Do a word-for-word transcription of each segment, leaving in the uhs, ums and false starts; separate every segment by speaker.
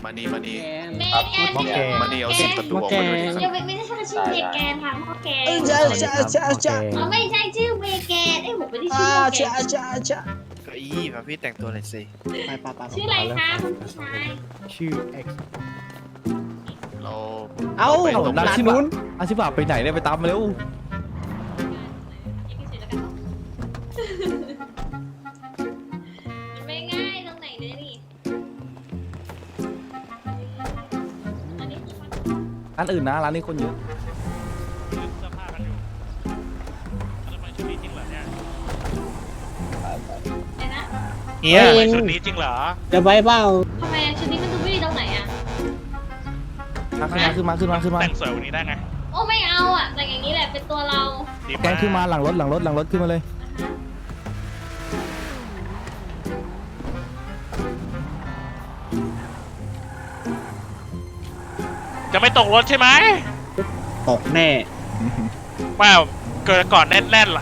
Speaker 1: มานี่มานี่
Speaker 2: เมแกน
Speaker 1: หม้อแกงมานี่เอาสิบประตูออกมาด้วยดิ
Speaker 2: ยังไม่ไม่ใช่ชื่อเมแกนค่ะหม้อแกง
Speaker 3: ใช่ใช่ใช่ใช่
Speaker 2: อ๋อไม่ใช่ชื่อเมแกนไอ้ผมไม่ได้ชื่
Speaker 3: อ่า
Speaker 2: อเมแก
Speaker 3: ใช่
Speaker 2: น
Speaker 3: ใช่ใช่
Speaker 4: เก้าอี้มาพี่แต่งตัวหน่อยสิ
Speaker 3: ไปไปไป
Speaker 2: ชื่ออะไรคะคุณผู้ชาย
Speaker 5: ชื่อ X
Speaker 1: เรา
Speaker 3: เอ้า
Speaker 1: ไปตรง
Speaker 5: ร้าน
Speaker 1: นั้น
Speaker 5: ที่นู้นอาชิบะไปไหนเนี่ยไปตามมาเร็ว
Speaker 2: มันไม่ง่ายตรงไหนเลยนี่อันนี้คือมัน
Speaker 5: ร้านอื่นนะร้านนี้คนเยอะ
Speaker 6: เสื้อผ้ากันอยู่แล้วทำไมชุดนี้จริงเหรอเนี่ย
Speaker 2: อะไรนะ
Speaker 4: เฮีย
Speaker 6: ทำไมชุดนี้จริงเหรอ
Speaker 3: จะไปเปล่า
Speaker 2: ทำไมชุดนี้มันดูไม่ดีตรงไหนอ่ะ
Speaker 5: มาขึ้นมาขึ้นมาขึ้นมาขึ้นมา
Speaker 6: แต่งสวยกวันนี้ได้ไง
Speaker 2: โอ้ไม่เอาอ่ะแต่อย่างนี้แหละเป็นตัวเรา
Speaker 6: ดี
Speaker 5: แกงขึ้นมาหลังรถหลังรถหลังรถขึ้นมาเลย
Speaker 6: จะไม่ตกรถใช่ไหม
Speaker 3: ตกแน่
Speaker 6: ไม่เกิดก่อนแน่นๆล่ะ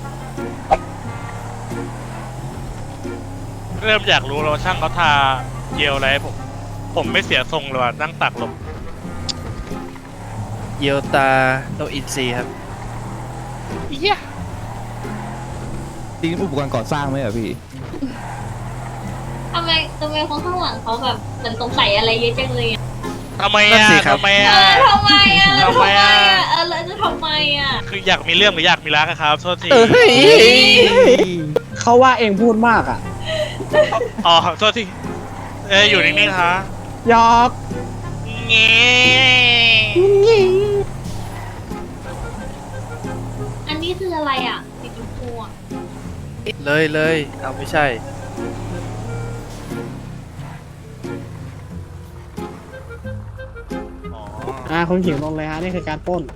Speaker 6: เริ่มอยากรู้แล้วว่าช่างเขาทาเจลอะไรให้ผม ผมไม่เสียทรงเลยว่ะนั่งตักลม
Speaker 4: เยียวตาโนอินซีครับ
Speaker 6: เหี้ย
Speaker 5: จริงอุปกรณ์ก่อสร้างไหมอะพี่
Speaker 2: ทำไมทำไมคนข้างหลังเขาแบบเหมือนสงสัยอะไรเยอะจังเลยอ่ะ
Speaker 6: ทำไม
Speaker 4: นั่น
Speaker 6: อ่ะ
Speaker 4: สิครับ
Speaker 6: ทำไม
Speaker 2: เอ
Speaker 6: อ่ะ
Speaker 2: อทำไมอ่ะ
Speaker 6: ทำไมอ่ะ
Speaker 2: เออแล้วจะทำไมอ่ะ
Speaker 6: คืออยากมีเรื่องหรืออยากมีรักอะครับโทษที
Speaker 4: เอ้ย
Speaker 3: เขาว่าเองพูดมากอ่ะ
Speaker 6: อ๋อโทษทีเอ้ยอยู่นิ่งๆฮะ
Speaker 3: หยอก
Speaker 6: เงี้
Speaker 2: อันนี้คืออะไรอ่ะสีชมพูอ่ะ
Speaker 4: เลยเลยเอาไม่ใช่
Speaker 6: อ๋อ
Speaker 3: อ่าคนขิงลงเลยฮะนี่คือการปล้น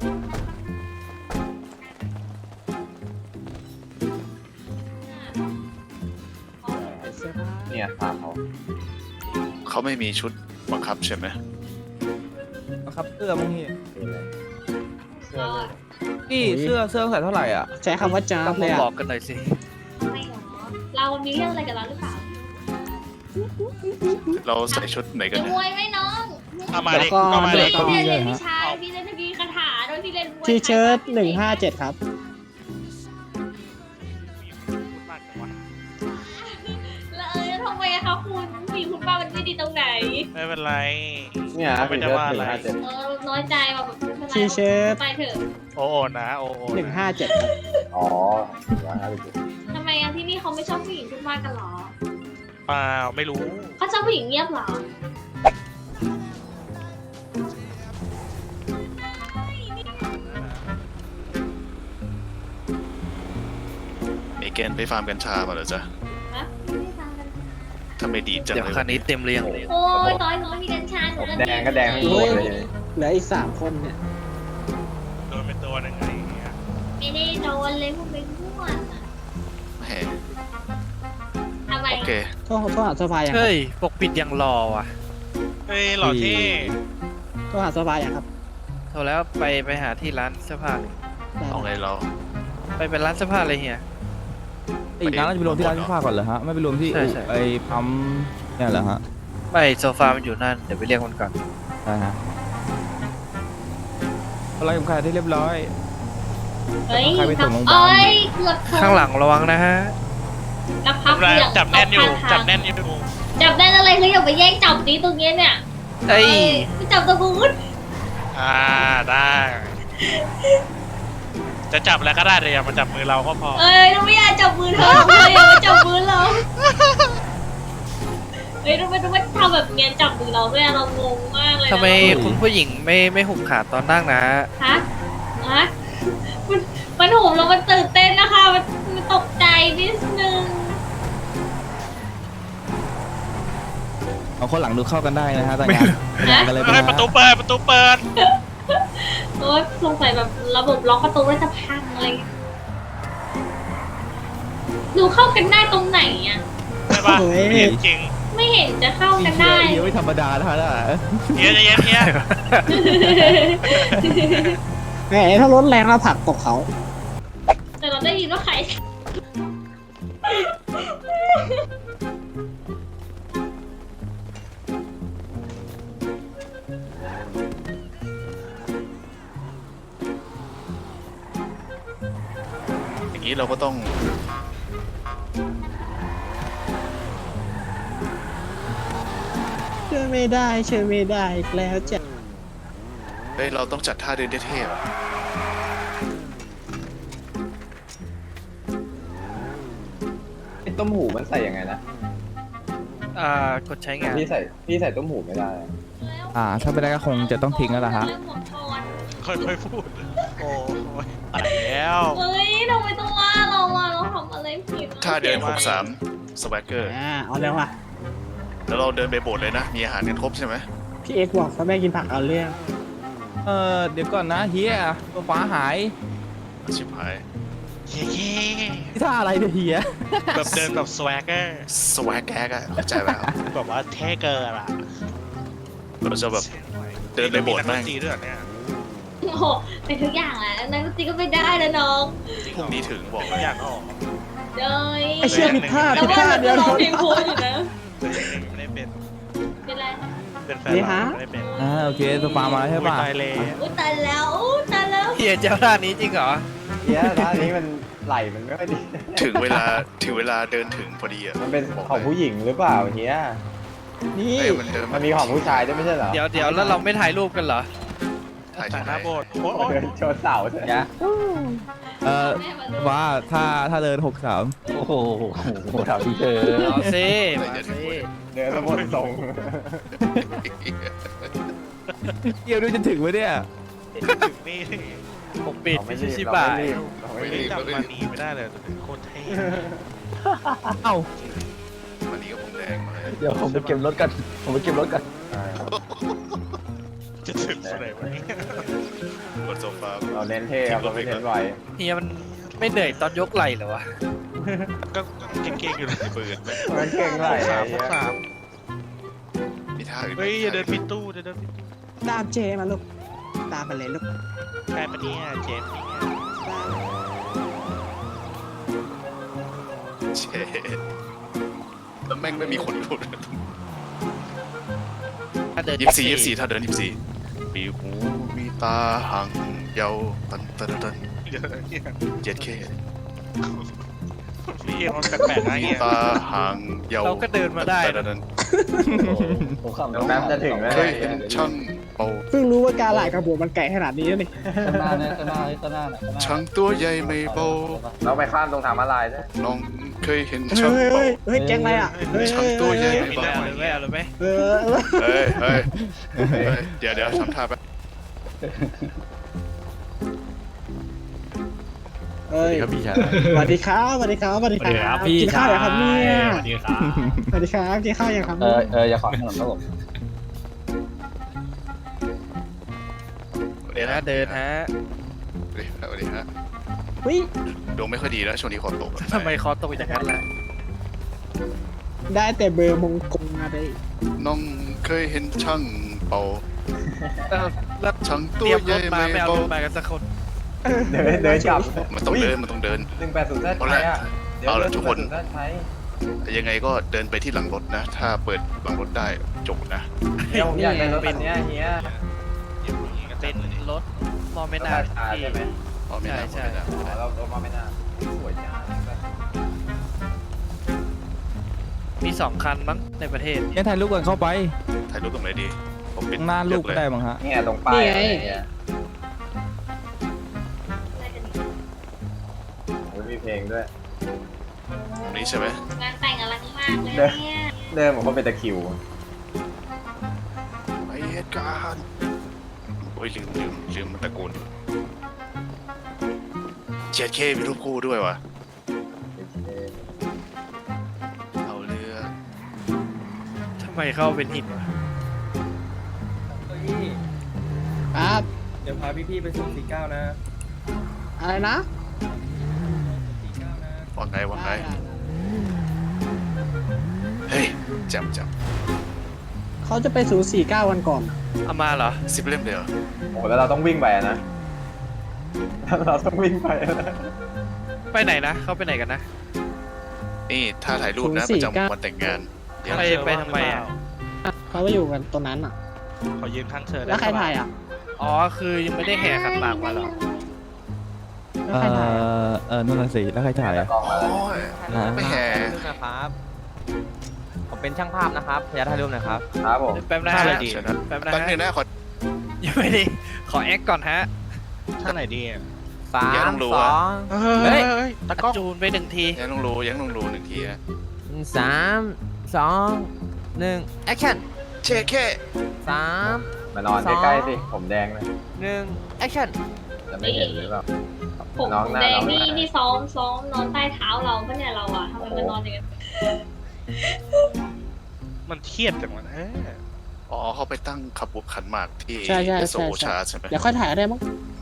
Speaker 7: เนี่ยตามเขา
Speaker 1: เขาไม่มีชุดบังคับใช่ไหม
Speaker 5: ครับเสื้อมั้งพี่
Speaker 2: ก็
Speaker 5: พี่เสื้อเสื้อใส่เท่าไหร่อ่ะ
Speaker 3: ใช้คำว่าจ้าบ
Speaker 4: ต้อง
Speaker 3: เลย
Speaker 4: มา
Speaker 3: อ่ะ
Speaker 4: บอกกันหน่อยสิ
Speaker 2: ไม่หรอเรามีเรื่องอะไรกับเราหรือเปล่า
Speaker 1: เราใส่ชุดไหนกัน
Speaker 2: จะ
Speaker 1: เนี่
Speaker 2: ม
Speaker 1: ย
Speaker 2: วยไหมน้อง
Speaker 6: เอามา
Speaker 3: แล้
Speaker 6: ดิ
Speaker 3: วก็
Speaker 6: ก็มาดิ
Speaker 2: พี่เรียนวิชาพี่จะมีคาถาโดยที่เรียนมวย
Speaker 3: ทีเชิ้ตหนึ่งห้าเจ็ดครับ
Speaker 6: พูดมากจังวะ
Speaker 2: แล้วเออทำไมอะคะคุณมีคุณป้ามันไม่ดีตรงไหน
Speaker 6: ไม่เป็นไร
Speaker 7: เนี่ย
Speaker 6: เขาไม่ได้ว่าอะไร
Speaker 7: เจ็ด
Speaker 2: เออน้อยใจว่าแบบไม่เป็นไร
Speaker 3: ทีเชิ้ต
Speaker 2: ไปเถอะ
Speaker 6: โอ้โอนะโอ้โอ
Speaker 3: หนึ่งห้าเจ็ดครับ
Speaker 7: อ๋อร้อยห้าสิบเจ็ด
Speaker 2: ทำไมอะที่นี่เขาไม่ชอบผู้หญิงพูดมากกันหรอ
Speaker 6: เปล่าไม่รู้
Speaker 2: เขาชอบผู้หญิงเงียบหรอ
Speaker 1: เมแกนไปฟาร์มกัญชามาเหรอจ๊ะ
Speaker 2: ฮะไม่ได้ฟังกัน
Speaker 1: ทำไมดีจัง
Speaker 4: เดี๋ยว
Speaker 1: เลย
Speaker 4: คันนี้เต็มเรียง
Speaker 2: โอ้ยตอนน้อยมีกัญชาหนู
Speaker 7: แดงก็แดงทั้งตัวเลย
Speaker 3: เหลืออีกสามคนเนี่ย
Speaker 6: โดนเป็นตัวยังไงเนี่ย
Speaker 2: ไม่ได้โดนเลยพวกเป็นพวกอะ
Speaker 1: แหม
Speaker 2: ทำไม
Speaker 1: โอเค
Speaker 3: โทษโทษหาโซฟาอย่างครับ
Speaker 4: เฮ้ยปกปิดยังรอว่ะ
Speaker 6: เฮ้ยหล่อเท่
Speaker 3: โทษหาโซฟาอย่างครับ
Speaker 4: โทรแล้วไปไปหาที่ร้านเสื้อผ้าเลย
Speaker 3: ได้
Speaker 1: เอาไงเรา
Speaker 4: ไปเป็นร้านเสื้อผ้าเลยเฮีย
Speaker 5: อีกร้านเราจะไปรวมที่ร้านเสื้อผ้าก่อนเหรอฮะไม่ไปรวมที่
Speaker 4: ใช่ใช่
Speaker 5: ไอ้ปั๊มเนี่ยเหรอฮะ
Speaker 4: ไม่โซฟามันอยู่นั่นเดี๋ยวไปเรียกมันก่อน
Speaker 5: ใช่ฮะอะไรของใครที่เรียบร้อย
Speaker 2: เฮ้ย
Speaker 5: ใครไปส่งโรงพยาบาล
Speaker 2: เอ้ยเกือบชน
Speaker 4: ข้างหลังระวังนะฮะ
Speaker 2: นักพัก
Speaker 6: จับ
Speaker 2: เสี่ยง
Speaker 6: จับแน่นอยู่
Speaker 2: ตกข้างทาง
Speaker 6: จับแน่นอยู่
Speaker 2: จับได้อะไรคืออย่าไปแย่งจับนี้ตรงเนี้ยเนี่ย
Speaker 4: เอ้ย
Speaker 2: ไปจับตะบูน
Speaker 6: อ่าได้ จะจับแล้วก็ได้แต่อย่ามาจับมือเราก็พอ
Speaker 2: เอ้ยเราไม่อยากจับมือเธอเลยอย่ามาจับมือเราเฮ้ยทำไมทำไมทำแบบเนี้ยจับมือเราด้วยอะเรางงมากเลยนะ
Speaker 4: ทำไมคุณผู้หญิงไม่ไม่หุบขาตอนนั่งนะ
Speaker 2: ฮะฮะมันมันโหมแล้วมันตื่นเต้นนะคะมันมันตกใจนิดนึง
Speaker 5: เอาคนหลังดูเข้ากันได้นะฮะแต่งานแต่งานกันเลย
Speaker 6: เฮ้ย
Speaker 5: น
Speaker 6: ประตูเปิดประตูเปิด
Speaker 2: โอ้ยสงสัยแบบระบบล็อกประตูน่าจะพังอะไรอย่างเงี้ยหนูเข้ากันได้ตรงไหนอ่ะ
Speaker 6: ใช่ปะไม่เห็นจริง
Speaker 2: ไม่เห็นจะเข้า
Speaker 5: อี
Speaker 2: กัน
Speaker 5: เชีย
Speaker 2: ได้
Speaker 5: เยอะไม่ธรรมดานะฮะน่ะ
Speaker 6: เฮียใจเย็นเฮีย
Speaker 3: แหมถ้ารถแรงแล้วผลักตกเขา
Speaker 2: แต่เราได้ยินว่าใคร
Speaker 1: เราก็ต้อง
Speaker 3: เชื่อไม่ได้เชื่อไม่ได้อีกแล้วจ้ะ
Speaker 1: เฮ้ยเราต้องจัดท่าเดินเท่ๆอะ
Speaker 7: ไอ้ต้มหูมันใส่ยังไงนะ
Speaker 4: อ่ากดใช้งาน
Speaker 7: พี่ใส่พี่ใส่ต้มหูไม่ได้อะ
Speaker 5: อ่า ถ้าไม่ได้ก็คงจะต้องทิ้งแล้วล่ะฮะ
Speaker 6: ค่อยๆพูด โอ้ยตายแล้ว
Speaker 2: เฮ้ยทำไมต้องว่าเราอ่ะเราทำอะไรผิดอะ
Speaker 1: ท่าเดินหกสามสวักเกอร์
Speaker 3: อ่าเอาแล้วว่ะ
Speaker 1: แล้วเราเดินไปโบสถ์เลยนะ มีอาหารกันครบใช่ไหม
Speaker 3: พี่เอ็กซ์บอกเขาแม่กินผักเอาเรื่อง
Speaker 5: เออเดี๋ยวก่อนนะเฮียตัวฟ้าหาย
Speaker 1: ชิบหาย
Speaker 6: เย้
Speaker 5: ที่ท่าอะไรเนี่ยเฮีย
Speaker 6: ๆแบบเดินแบบสวกเกอร์
Speaker 1: สวักแกกอะเข้าใจไหมครับ
Speaker 6: แบบว่าเท่เกินอ่ะ
Speaker 1: เราจะแบบเดินไปโบสถ์
Speaker 6: แม่
Speaker 1: แม่ง
Speaker 6: งจีด้วยเหรอเนี่ย
Speaker 2: โอ้โหเป็นทุกอย่างแหละนักดนตรีก็ไม่ได้แล้วน้อง
Speaker 1: พรุ่งนี้ถึงบอกเล
Speaker 6: ทุ
Speaker 1: ย
Speaker 6: กอย่างออก
Speaker 2: เด้ย
Speaker 3: ไอเชื่อผิดพลาด
Speaker 2: แล้ว
Speaker 3: ผิดพ
Speaker 2: ว่า
Speaker 3: ลาด
Speaker 2: เรา
Speaker 3: เดียว
Speaker 2: ร้องเพลงโคตรอยู่นะ
Speaker 6: ไม่ได้เป็น
Speaker 2: เป็นไร
Speaker 6: เป็นแฟนเราไม่ได้เป็น
Speaker 5: อ่าโอเคตัวฟ้ามาแล้วใช่
Speaker 6: โอ้ย
Speaker 5: ป่ะ
Speaker 6: ตายเลย
Speaker 2: อุ้ยตายแล้วอุ้ยตายแล้ว
Speaker 4: เฮียเจ้าท่านี้จริงเหรอ
Speaker 7: เฮียร้านนี้มันไหลมันไม่ค่อยดี
Speaker 1: ถึงเวลาถึงเวลาเดินถึงพอดีอะ
Speaker 7: มันเป็นของผู้หญิงหรือเปล่าเฮีย
Speaker 3: นี่
Speaker 1: เอ้ยมันเดิน
Speaker 7: มันมีของผู้ชายด้วยไม่ใช่เหรอ
Speaker 4: เดี๋ยวเดี๋ยวแล้วเราไม่ถ่ายรูปกันเหรอ
Speaker 1: ถ่าย
Speaker 6: แต่
Speaker 1: ที่
Speaker 6: ห
Speaker 1: ไหน
Speaker 6: น้าโบสถ์โอ้
Speaker 7: โอ้
Speaker 6: ย
Speaker 7: เดินชนเสาใช่ไหม
Speaker 5: เออ
Speaker 2: แม่มาดู
Speaker 5: ว่าถ้าถ้าเดินหกสาม
Speaker 7: โอ้โหถามพี่เธอ
Speaker 4: เอาซิมาซิ
Speaker 7: เดินแล้วหมดทรง
Speaker 5: เกี่ยวด้วยจะถึงไหมเนี่ย
Speaker 6: ถึงนี่
Speaker 4: ผมปิด
Speaker 7: เราไม่
Speaker 4: ไม่
Speaker 7: รี
Speaker 4: ใช่
Speaker 7: บ
Speaker 4: ชิ
Speaker 7: เรา
Speaker 4: บะ
Speaker 7: ไม่รีบเราไม่รีบ
Speaker 6: จำมานีไม่ได้เลยแต่เป็นโคตรเท่
Speaker 5: เอ้า
Speaker 1: วันนี้ก็ผมแดงมาเลย
Speaker 7: เดี๋ยวผมไปเก็บรถกันผมไปเก็บรถกัน
Speaker 6: จะถึงเมื่อไหร่วะเนี่ย
Speaker 1: บนโซฟา
Speaker 7: เราเน้นเท่ครับเราไม่เน้นไหว
Speaker 4: เฮียมันไม่เหนื่อยตอนยกไหล่เหรอวะ
Speaker 6: ก็เก่งๆอยู่เลย
Speaker 1: ปืนไหม
Speaker 7: มันเก่งไหล
Speaker 6: สามพวกสาม
Speaker 1: มีท่าอื่นไหม
Speaker 6: เฮ้ยอย่าเดินปิดตู้อย่าเดินปิดตู้
Speaker 3: ตามเจมาลูกตามไปเลยลูก
Speaker 6: ใช่ปะเนี่ยเจมส์นี่ไง
Speaker 1: เชแล้วแม่งไม่มีคนพูด
Speaker 4: ถ้าเดิน
Speaker 1: ยี่สิบสี่ยี่สิบสี่ถ้าเดินยี่สิบสี่มีหูมีตาหางยาวตันตันตัน
Speaker 6: เดี๋ยวนะเนี่ย
Speaker 1: เจ็ดเค
Speaker 6: พี่เอ็มมันแปลกๆนะ
Speaker 1: มี
Speaker 6: เนี่ย
Speaker 1: ตาหางยาว
Speaker 4: เราก็เดินมาได้
Speaker 1: ตัน
Speaker 4: นะ
Speaker 1: ตัน
Speaker 7: ผมขับแป๊บจะถึงแล้ว
Speaker 1: เคยเห็นช่างเป่า
Speaker 3: เพิ่งรู้ว่าการหลายกระบวมันไก่ขนาดนี้นี่
Speaker 7: ข้างหน้าเนี่ยข้างหน้าข้างหน้า
Speaker 1: ช่างตัวใหญ่ไม่เบา
Speaker 7: เราไปข้ามตรงทางมาลายด้วย
Speaker 1: น้องเคยเห็น
Speaker 3: เฮ้
Speaker 1: ช่าง
Speaker 3: ย
Speaker 1: เป่า
Speaker 3: เฮ้ยเฮ้ยแกงอะไรอ่ะเฮ้ย
Speaker 1: ช่างตัวใหญ่
Speaker 4: ไม่ได้เลยไม่เอาเลยไหม
Speaker 3: เออเออ
Speaker 1: เฮ้ยเฮ้ยเฮ้ยเดี๋ยวเดี๋ยวทำท่าแป๊บ
Speaker 3: เอ้ย
Speaker 7: ครับพี่ชาย
Speaker 3: สวัสดีครับสวัสดีครับสวัสดีครับกินข้าวยังครับเนี่ย
Speaker 7: สวัสดีครับ
Speaker 3: สวัสดีครับกินข้าวยังครับ
Speaker 7: เออเอออย่าขอถนนครับผม
Speaker 4: เดี๋ยวนะเดินฮะ
Speaker 1: สวัสดีครับสวัสดีฮะ
Speaker 3: วิ
Speaker 1: ดวงไม่ค่อยดีแล้วช่วงนี้คอตก
Speaker 4: ทำไมคอตกอย่างนั้นล่ะ
Speaker 3: ได้แต่เบอร์มงกงอะไร
Speaker 1: น้องเคยเห็นช่างเป่า
Speaker 4: แล้วแล้ว
Speaker 1: ช่าง
Speaker 4: เต
Speaker 1: ตั
Speaker 4: รี
Speaker 1: วย
Speaker 4: ม
Speaker 1: ให
Speaker 4: ร
Speaker 1: ญ่
Speaker 4: ถมา
Speaker 1: ไม่
Speaker 4: ไม่เอา
Speaker 1: เบาร
Speaker 4: ถมากันสักคน
Speaker 7: เดินเดินกลับ
Speaker 1: มันต้องเดินมันต้องเดิน
Speaker 7: หนึ่งแปดศูนย์แซด
Speaker 1: เอา
Speaker 7: ไท
Speaker 1: ละ
Speaker 7: ยอ่ะ
Speaker 1: เอาละทุกคน
Speaker 7: แซดไทย
Speaker 1: ยังไงก็เดินไปที่หลังรถนะ ถ้าเปิดหลังรถได้จบนะ
Speaker 7: เดี๋ยวผมอยากได้รถคันเนี้ยเฮีย
Speaker 4: เป็นรถมอเมนา
Speaker 7: ราคา
Speaker 4: ที่
Speaker 7: ใช่ไหม
Speaker 1: อ๋อไม่ได้
Speaker 4: ใช่
Speaker 1: ไม่ได้
Speaker 7: อ๋อเราเรามาไม่น่าสวยจัง
Speaker 4: มีสองคันมั้งในประเทศ
Speaker 5: เนี่ยถ่ายรูปก่อนเข้าไป
Speaker 1: ถ่ายรูปตรงไหนดีผมปิด
Speaker 5: ข้างหน้ารูปก็
Speaker 1: เย
Speaker 5: ได้
Speaker 1: อะเลย
Speaker 5: มั้งฮะ
Speaker 7: เนี่ยตรงป้ายอะไรเนี่ยโอ้ยมีเพลงด้วย
Speaker 1: ตรงนี้ใช่ไหม
Speaker 2: งานแต่งอลังมากเลยเนี่ย
Speaker 7: เดินเหมือนคนเป็นตะคริว
Speaker 1: ไปเหตุการณ์โอ้ยลืมลืมลืมมันตะโกนเจ็ดเคมีรูปคู่ด้วยวะเอาเรือ
Speaker 4: ทำไมเข้าเป็นหินวะ
Speaker 3: ครับ
Speaker 8: เดี๋ยวพาพี่ๆไปส่งสี่เก้านะ
Speaker 3: อะไรนะ
Speaker 8: สี่เก้านะ
Speaker 1: ว่าไงว่าไงเฮ้ยจำจ
Speaker 3: เขาจะไปศูนย์สี่เก้าวันก่อน
Speaker 4: เอามาเหรอ
Speaker 1: ำสิบเล่มเดียว
Speaker 7: โอ้แล้วเราต้องวิ่งไปนะ เราต้องวิ่งไปนะ
Speaker 4: ไปไหนนะ เขาไปไหนกันนะ
Speaker 1: นี่ถ้าถ่ายรูปนะประจำวันแต่งงานเดี๋ยว
Speaker 4: ไปไปทำไมอ่ะ
Speaker 3: เขาไปอยู่กันตรงนั้นอ่ะ
Speaker 6: ขอยืนข้างเธอได้
Speaker 3: แล้วใครถ่ายอ่ะ
Speaker 4: อ๋อ คือยังไม่ได้แห่ขันหมากมาเหรอ
Speaker 5: เออเออนั่นน่ะสิแล้วใครถ่ายอ่ะ
Speaker 7: กล้องมาแล้ว
Speaker 1: โอ้ย
Speaker 5: อ่า
Speaker 1: ไม่แห่
Speaker 9: นะครับผมเป็นช่างภาพนะครับพยาถ่ายรูปนะครับ
Speaker 7: ครับผม
Speaker 4: แป๊บนะ
Speaker 6: ท่า
Speaker 4: ฮะ
Speaker 6: อะไรดี
Speaker 4: แป๊บนะ
Speaker 1: แป๊บ
Speaker 4: ฮะ
Speaker 1: นึงนะขอ
Speaker 4: ยังไม่ดีขอแอคก่อนฮะ
Speaker 6: ท่าไหนดี
Speaker 9: สา
Speaker 1: อย่าต้
Speaker 9: ม
Speaker 1: องรู้
Speaker 9: ส
Speaker 1: อะ
Speaker 9: อง
Speaker 6: เฮ้
Speaker 9: เฮ้
Speaker 6: ย
Speaker 9: ย
Speaker 6: ตะกล้อง
Speaker 4: จูนไปหนึ่งที
Speaker 1: ยังต้องรู้ยังต้องรู้หนึ่งทีนะ
Speaker 9: สามสองหนึ่งแอคชั่น
Speaker 1: เช็คแค่
Speaker 9: สาม
Speaker 7: มานอนใกล้ๆสิผมแดงเลย
Speaker 9: หนึ่งแอคชั่น
Speaker 7: จะไม่เห็นหรือเปล่า
Speaker 2: ผม
Speaker 7: น้องหน้า
Speaker 2: แดง
Speaker 7: น้องห
Speaker 2: นี่
Speaker 7: น้า
Speaker 2: นี่ซ้อมซ้อมนอนใต้เท้าเราปะเนี่ยเราอะทำไมมันนอนอย่างนั้น
Speaker 6: มันเครียดจังวะเออ
Speaker 1: อ๋อเขาไปตั้งขบวนขันหมากที่
Speaker 3: ใช่ใช่
Speaker 1: โซ
Speaker 3: ใช่
Speaker 1: ชา
Speaker 3: ใช่
Speaker 1: ใช่ไหม
Speaker 3: เดี๋ยวค่อยถ่ายก็ได้มั้ง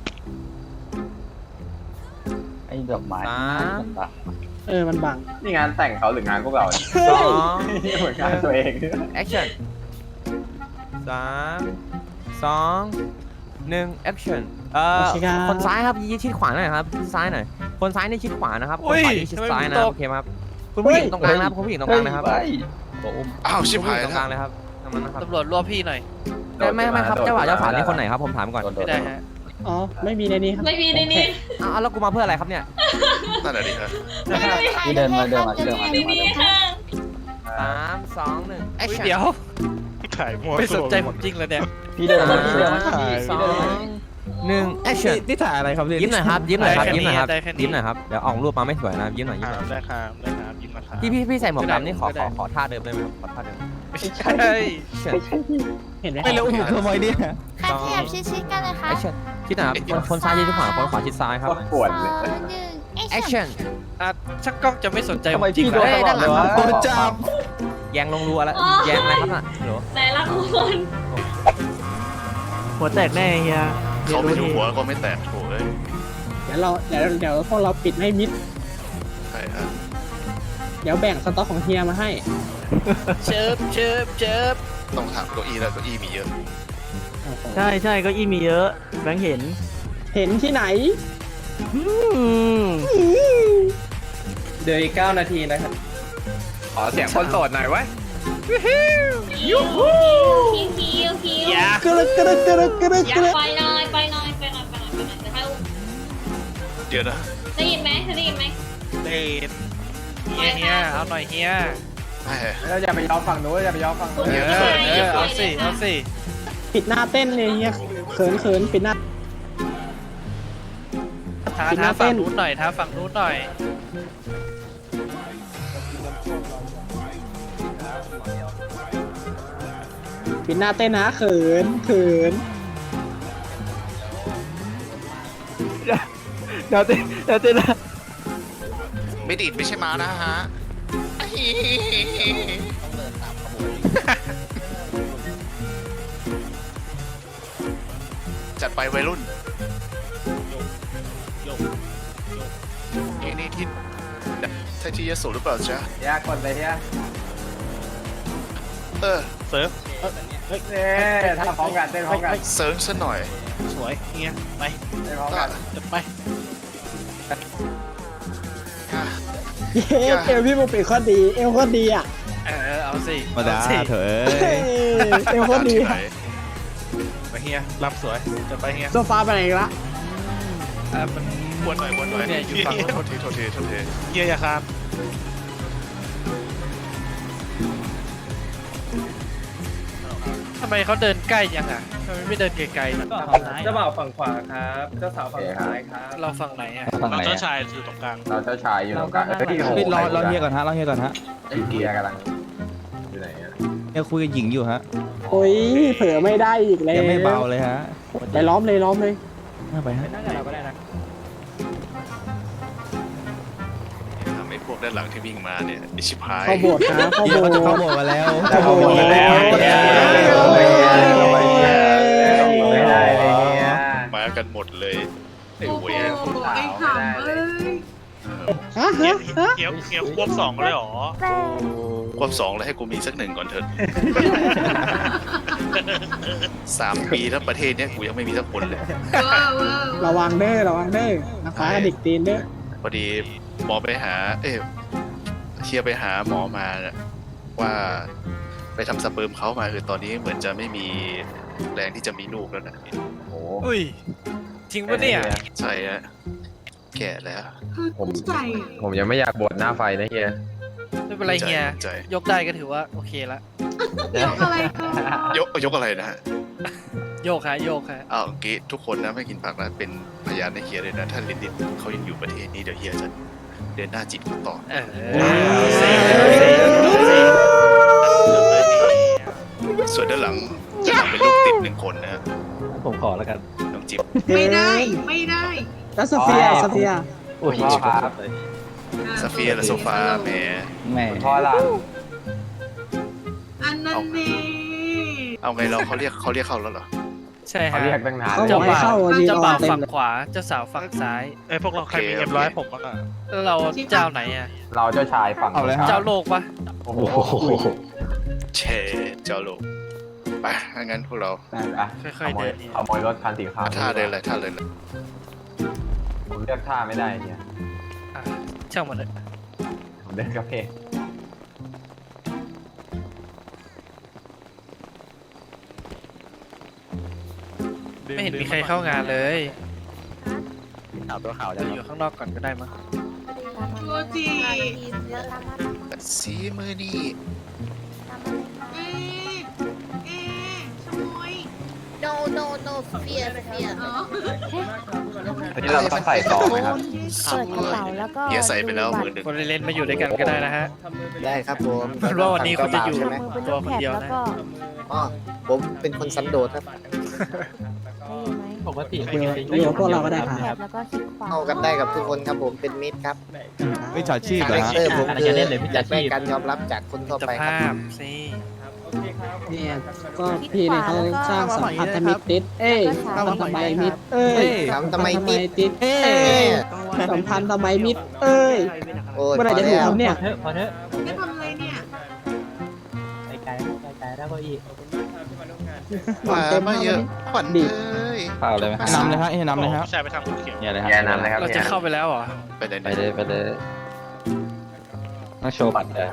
Speaker 9: ไอ้ดอกไม้สาม
Speaker 3: เออมันบัง
Speaker 7: นี่งานแต่งเขาหรืองานพวกเราเนี่ย
Speaker 9: สอง
Speaker 7: เหมือนงานตัวเอง
Speaker 9: แอคชั่นสามสองหนึ่งแอคชั่นเอ่อคนซ้ายครับยืนชิดขวาหน่อยครับชิดซ้ายหน่อยคนซ้ายนี่ชิดขวานะครับคนขวานี่ชิดซ้ายนะโอเคไหมครับคุณผู้หญิงตรงกลางนะครับคุณผู้หญิงตรงกลางนะครับ
Speaker 1: อ้าวชิบ
Speaker 9: คุณผู้
Speaker 1: หา
Speaker 9: ห
Speaker 1: ย
Speaker 9: ญิงตรง
Speaker 1: แล้
Speaker 9: กลาว งเลยครับตรงนั้นนะครับ
Speaker 4: ตำรวจรวบพี่หน่อย
Speaker 9: ไม่ไม่ไม่ครับเจ้าบ่าวเจ้าสาวนี่คนไหนครับผมถามก่อน
Speaker 4: ไม่ได้ฮะ
Speaker 3: อ๋อไม่มีในนี้ครับ
Speaker 2: ไม่มีในนี้
Speaker 9: อ้าวแล้วกูมาเพื่ออะไรครับเนี่ย
Speaker 1: นั่นแหละดิครับ
Speaker 9: ที่เดินมาเดินมาที่เดินมา
Speaker 2: ไม่มีค่ะ
Speaker 9: สามสองหนึ่งแอค
Speaker 4: เฮ้ย
Speaker 9: ชั่น
Speaker 4: เดี๋ยว
Speaker 6: ถ่ายมัว
Speaker 4: ไม่สนใจผมจริงเลยเนี่ย
Speaker 9: พี่เดินมาพี่เดินมาสองหนึ่งแอคชั่น
Speaker 5: นี่ถ่ายอะไรครับเนี่ย
Speaker 9: ยิ้มหน่อยครับยิ้มหน่อยครับ
Speaker 4: ได้แค่
Speaker 9: ยิ้มหน่อยครับ
Speaker 4: ได้แค่นี้
Speaker 9: ยิ้มหน่อยครับเดี๋ยวออกรูปมาไม่สวยนะยิ้มหน่อยยิ้มหน่อย
Speaker 6: ได้ครับได้ครับยิ้มนะครับ
Speaker 9: พี่พี่พี่ใส่หมวกดำนี่ขอ
Speaker 4: ไม่
Speaker 9: ข
Speaker 4: ได้
Speaker 9: อขอท่าเดิมได้ไหมครับขอท่าเดิม
Speaker 4: ไม่ใช่
Speaker 9: แอคชั่น
Speaker 3: เห็นไหม
Speaker 5: ไม่แล้วอุ้มทำไมเนี่ย
Speaker 9: สองแอคชั่นคิดหน่อยครับคนคนซ้ายยืนที่ขวาคนขวาชิดซ้ายครับ
Speaker 7: โคตรปวดเลย
Speaker 9: แอคชั่น
Speaker 4: อ่ะช่างกล้องจะไม่สนใจผมจริง
Speaker 9: เฮ้ยด้านหลังครับ
Speaker 5: โดนจับ
Speaker 9: แยงลงรัวแล้วแยงอะไรครับน่ะฮัลโหล
Speaker 2: แต่ละคน
Speaker 3: หัวแตกแน่เฮีย
Speaker 1: เขาไม่ถูกหัวก็ไม่แตกโถเอ้ย
Speaker 3: เดี๋ยวเราเดี๋ยวเดี๋ยวพวกเราปิดให้มิด
Speaker 1: ใช่ฮะ
Speaker 3: เดี๋ยวแบ่งสต็อกของเฮียมาให้
Speaker 4: เชิบเชิบเชิบ
Speaker 1: ต้องถามเก้าอี้แล้วเก้าอี้มีเยอะ
Speaker 3: ใช่ใช่ก็อีมีเยอะแบงค์เห็น เห็นที่ไหน
Speaker 8: เดี๋ยวอีกเก้านาทีนะครับ
Speaker 7: ขอเสียงคนโสดหน่อยไว้
Speaker 2: คิวคิวคิวคิว
Speaker 4: อย่าก
Speaker 3: ระกระกระกระ
Speaker 2: อยาก
Speaker 3: ระ
Speaker 2: ไปหน่อยไปหน่อยไปหน่อยไปหน่อยไปหน่อยเดี๋ยวให้อุ้ม
Speaker 1: เดี๋ยวนะ
Speaker 2: ได้ยินไหมเธอได้ยินไหม
Speaker 4: เดนเฮียเฮียเอาหน่อยเฮีย
Speaker 1: แหม
Speaker 7: เราอย่าไปยอมฝั่งนู้นอย่าไปยอมฝั่ง
Speaker 2: คุ
Speaker 7: นู้
Speaker 2: ณ
Speaker 7: น
Speaker 4: เอ
Speaker 2: ผู้
Speaker 4: อ
Speaker 2: ชาย
Speaker 4: เออเอาสิเอาสิ
Speaker 3: ปิดหน้าเต้นเลยเฮียเขินเขินปิดหน้า
Speaker 4: ท้า
Speaker 3: ปิดห
Speaker 4: ท้า
Speaker 3: น้า
Speaker 4: ฝั่
Speaker 3: เต้
Speaker 4: ง
Speaker 3: น
Speaker 4: นู้นหน่อยท้าฝั่งนู้นหน่อย
Speaker 3: ปิดหน้าเต้นนะเขินเขิน
Speaker 5: เดี๋ยวเต้นเดี๋ยวเต้นนะ
Speaker 1: ไม่ดีดไม่ใช่ม้านะฮะ จัดไปวัยรุ่นนี่นี่ที่ใช่ที่ยโสหรือเปล่าจ๊ะ
Speaker 7: ยากกดเลยเฮีย
Speaker 1: เออ
Speaker 6: เซิร์ฟ
Speaker 7: เนี่ยถ้าพร้อมกันเต้นพร้อมกัน
Speaker 1: เซิร์ฟซะหน่อย
Speaker 6: สวยเฮียไป
Speaker 7: เต้นพร้อมกัน
Speaker 6: จะไป
Speaker 3: เย้เอวพี่บุกปิดข้อดี เอวข้อดีอ่ะ
Speaker 4: เออเอาสิ
Speaker 5: มาด่า
Speaker 4: เอาสิ
Speaker 5: เถอะเอ้
Speaker 3: เฮ้
Speaker 5: ย
Speaker 3: ยเอวข้อดี
Speaker 1: ที่ไหน
Speaker 6: ไปเฮียลำสวยจะไปเฮีย
Speaker 3: โซฟาไปไหนอีกละ
Speaker 4: อ่ะมัน
Speaker 1: วนหน่อยวนหน่อย
Speaker 4: เนี่ยอยู่ฝั่งนู้น
Speaker 1: โทษทีโทษทีโทษที
Speaker 6: เฮียอย่าครับ
Speaker 4: ทำไมเขาเดินใกล้ยังอ่ะทำไมไม่เดินไกลๆ
Speaker 8: เจ้าบ่าวฝั่งขวาครับ เจ้าสาวฝั่งซ้ายครับ
Speaker 4: เราฝั่งไหนอ่ะ
Speaker 5: ฝั่งไหน
Speaker 6: เราเจ้า
Speaker 5: อะ
Speaker 6: ชายอยู่ตรงกลาง
Speaker 7: เราเจ้าชายอยู่ตรงกลางเฮ้ยโโห
Speaker 5: เฮ้ยรอรอเฮียก่อนฮะรอเฮียก่อนฮะ
Speaker 7: เฮียกำลังอยู่ไหนอะ
Speaker 5: เฮียคุยกับหญิงอยู่ฮะ
Speaker 3: โอ้ยเผลอไม่ได้อีกเลย
Speaker 5: ยังไม่เบาเลยฮะ
Speaker 3: ไปล้อมเลยล้อมเลย
Speaker 5: น่าไปฮะ
Speaker 8: นั่งกับเราก็ได้นะ
Speaker 1: ทำให้พวกด้านหลังที่วิ่งมาเนี่ยไอชิบหาย
Speaker 3: เข้าโบสถ์นะเข้า
Speaker 5: เฮีย
Speaker 3: โบ
Speaker 5: เขา
Speaker 3: ส
Speaker 5: จะ
Speaker 3: ถ์
Speaker 5: เข้าโบสถ์มาแล้ว
Speaker 3: เข้าโบสถ์มาแล้ว
Speaker 7: ไม่ได้ไม่ได้เลยเนี่ย
Speaker 1: มากันหมดเลยไอ้เวย
Speaker 2: ไอ้ขำเอ้ย
Speaker 3: ฮะ
Speaker 6: เฮีย
Speaker 3: ฮะฮะ
Speaker 6: เฮียเฮียควบสองเลยเหรอ
Speaker 1: ควบสองแล้วให้กูมีสักหนึ่งก่อนเถอะ สามปีแล้วประเทศเนี้ยกูยังไม่มีสักคนเลย
Speaker 2: เวอร์เวอร์
Speaker 3: ระวังเด้อระวังเด้อนักฟ้ากระดิกตีนเด้อ
Speaker 1: พอดีหมอไปหา เอ๊ะเชียร์ไปหาหมอมาน่ะว่าไปทำสเปิร์มเขามาคือตอนนี้เหมือนจะไม่มีแรงที่จะมีลูกแล้วนะ
Speaker 7: โอ้โห
Speaker 4: อุ้ยจริงปะเนี่ย
Speaker 1: ใช่ฮะแก่แล้ว
Speaker 7: ผมผมยังไม่อยากบวชหน้าไฟนะเฮีย
Speaker 4: ไม่เป็นไรเฮีย
Speaker 1: ใจ
Speaker 4: ยกได้ก็ถือว่าโอเคละ
Speaker 2: ยกอะไรก็
Speaker 1: ยกยกอะไรนะฮะ
Speaker 4: โยกฮะโยกฮะ
Speaker 1: อ้าวเมื่อกี้ทุกคนนะไม่กินผักนะเป็นพยานในเฮียเลยนะถ้าลินดินเขายังอยู่ประเทศนี้เดี๋ยวเฮียจะเดินหน้าจีบเขาต่อ
Speaker 4: เออเซ่เซ่เซ่
Speaker 1: ส่วนด้านหลังด้านหลังเป็นลูกติดหนึ่งคนนะฮะ
Speaker 5: ผมขอแล้วกัน
Speaker 1: น้องจิ๊บ
Speaker 2: ไม่ได้ไม่ได้
Speaker 3: แล้วโซเฟียโซเฟีย
Speaker 5: โอ้ย
Speaker 7: พ่อครับ
Speaker 1: ซาเฟียและโซฟาแหม
Speaker 5: แม่
Speaker 7: พ่อหลาน
Speaker 2: อันนั้นเน่
Speaker 1: เอาไงเราเขาเรียกเขาเรียกเข้าแล้วเหรอ
Speaker 4: ใช่
Speaker 7: เขา
Speaker 4: ฮะ
Speaker 7: เรียกตั้งนาน
Speaker 3: เขา
Speaker 7: เลย
Speaker 3: บอกให้เข้ายืน
Speaker 4: เจ้าร
Speaker 3: อ
Speaker 4: บ่าว
Speaker 3: เต็ม
Speaker 4: ฝั่ง
Speaker 3: เลย
Speaker 4: ขวาเจ้าสาวฝั่งซ้าย
Speaker 6: เอ้ยพวกเราใครมีเอ็มร้อยผมบ้างอ่ะ
Speaker 4: แล้วเราเจ้าไหนอ่ะ
Speaker 7: เราเจ้าชายฝั่ง
Speaker 5: เอาเลยฮะ
Speaker 4: เจ้าโลกปะ
Speaker 7: โอ้โห
Speaker 1: เชเจ้าโลกไปถ้างั้นพวกเรา
Speaker 7: อ่ะ
Speaker 4: ค่
Speaker 7: ข
Speaker 4: อยๆ
Speaker 7: โม
Speaker 4: เดิ
Speaker 7: ย
Speaker 4: นเนี่ย
Speaker 7: ขโมยรถคันสีขาว
Speaker 1: ท่าเลยเลยท่าเลยเลย
Speaker 7: ผมเลือกท่าไม่ได้เนี่ย
Speaker 4: อ่ะช่างมันเลย
Speaker 7: ผมเดินกระเพก
Speaker 4: ไม่เห็นมีใครเข้างานเลย
Speaker 5: ข่าวตัวข่าว
Speaker 4: เราอยู่ข้างนอกก่อนก็ได้มั้ง
Speaker 2: โมจิ
Speaker 1: สีมือนี่
Speaker 2: เอ๊ะเอ๊ะขโมย
Speaker 10: no no no เฟียเฟีย
Speaker 2: อ๋อ
Speaker 7: ทีนี้เราต้องใส่ซองไหมครับ
Speaker 10: เปิดกระเป๋าแล้วก็
Speaker 1: เฮียใส่ไปแล้วมือหนึ่ง
Speaker 4: คนเล่นๆมาอยู่ด้วยกันก็ได้นะฮะ
Speaker 3: ได้ครับผม
Speaker 4: เพราะว่าวันนี้คุณจะอยู่
Speaker 10: มือเป็นรูปแถบแล้วก็
Speaker 3: อ๋อผมเป็นคนสันโดษครับ
Speaker 10: ได้ยินไหม
Speaker 5: ปกติ
Speaker 3: อยู่อยู่กับพวกเราก็ได้ค
Speaker 10: แถ
Speaker 3: รั
Speaker 10: บบ แล้วก็คลิกขวา
Speaker 3: เข้ากันได้กับทุกคนครับผมเป็นมิตรครับ
Speaker 5: ไม่จอดชีพ
Speaker 3: คา
Speaker 5: เหร
Speaker 3: แร
Speaker 5: อ
Speaker 3: ค
Speaker 5: ฮะ
Speaker 3: เตอร์ผม
Speaker 5: อะไร
Speaker 3: คือ
Speaker 5: จะเล่นเลยพี่
Speaker 3: อยากได้
Speaker 5: ชีพ
Speaker 3: การยอมรับจากคนทั่ว
Speaker 4: จะ
Speaker 3: ไปครั
Speaker 4: ภา
Speaker 3: บ
Speaker 4: พสิ
Speaker 3: เนี่ยก็พี่เนี่ยเขาสร้างสัมพันธมิตรติดเอ้ยสัมพันธไมมิตรเอ้ยสัมพันธไมมิตรติดเอ้ยสัมพันธไมมิตรเอ้ยเมื่อไหร่จะถูกครับเนี่ย
Speaker 5: พอเถอะ
Speaker 2: ได้ทำอะไรเนี่ย
Speaker 5: ไกลไกลไกลแล้วก็อีก
Speaker 1: หวานมาเยอะขวัญ
Speaker 3: ดี
Speaker 1: เอ้ย
Speaker 5: เปล่าเลยไหมนำเลยฮะให้นำเลยฮะ
Speaker 6: ผู้ชายไปทางภูเขียว
Speaker 5: เนี่ยเลยฮะ
Speaker 7: แย่นั้นเลยครับ
Speaker 4: เรา
Speaker 7: เนี่
Speaker 4: จะ
Speaker 7: ย
Speaker 4: เข้าไปแล้วเหรอ
Speaker 1: ไปเลย
Speaker 5: ไปเลยไปเลยต้องโชว์บัตรเลย